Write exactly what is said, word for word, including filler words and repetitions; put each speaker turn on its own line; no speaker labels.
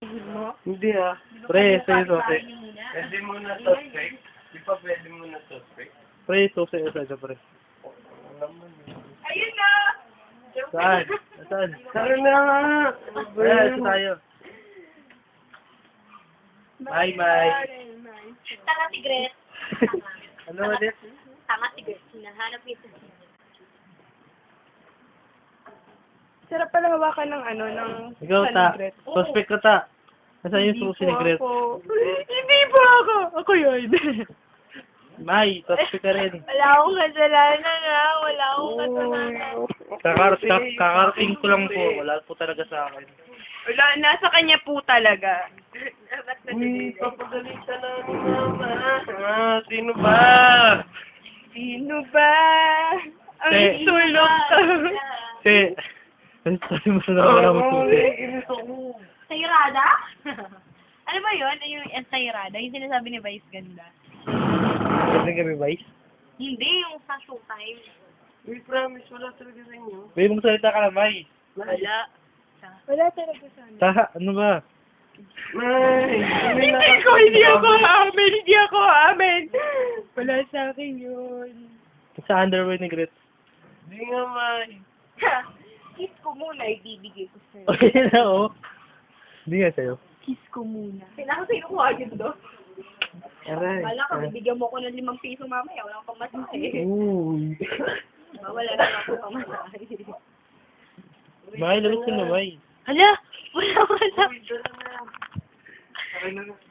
Tigil mo.
Hindi ah.
Pre, sa'yo susi.
Pwede mo na suspect. Di pa pwede mo na suspect.
Pre, susi o sa'yo, pre.
Ayun na!
Saan? Saan?
Tara na nga.
Ayan, isa tayo. Bye, bye.
Tanga si Gret.
Ano ulit?
Tanga si Gret. Hinahanap niya sa
Sarap pala hawakan ng ano, ng
Ikaw, ta.
Gret.
Suspect ka, ta. Nasaan yung
Hindi
susi ni
po
Gret?
ako. Hindi po ako. Ako yun.
May, suspect ka rin.
Wala akong kasalanan ha. Wala akong kasalanan.
Kakar kak- kakarating ko lang po. Wala po talaga sa akin.
Wala, nasa kanya po talaga.
Uy, papagalitan na ni Mama. Ah, sino ba?
Sino ba? Ang
Te.
sulok ka.
Kasi, ano sabi mo sa nakakala mo susi?
inis ako.
Sayrada? Ano ba yun? Yung yung Sayrada? Yung sinasabi ni Vice ganda.
Kasi kami, Vice?
Hindi, yung sa Showtime.
Uy, promise, wala talaga sa inyo.
May mong salita ka na, May.
Wala.
Wala talaga sana.
Taha, ano ba?
May,
Hindi ko, hindi ako amin. Hindi ako amin. Wala sa akin yun.
Sa underwear ni Gret.
Hindi nga, May.
Kiss ko muna, ibibigay ko sa'yo.
Okay na, oh. Hindi nga sa'yo.
Kiss ko muna.
Pinakasay ko agad do.
Aray.
Wala ka, bibigyan mo ko ng limang piso mamaya. Wala kang pamasahe.
Uy.
Wala na ako pamasahe.
May, labas ka na, May.
Hala! Wala, wala.
Uy, dala na. Aray na na.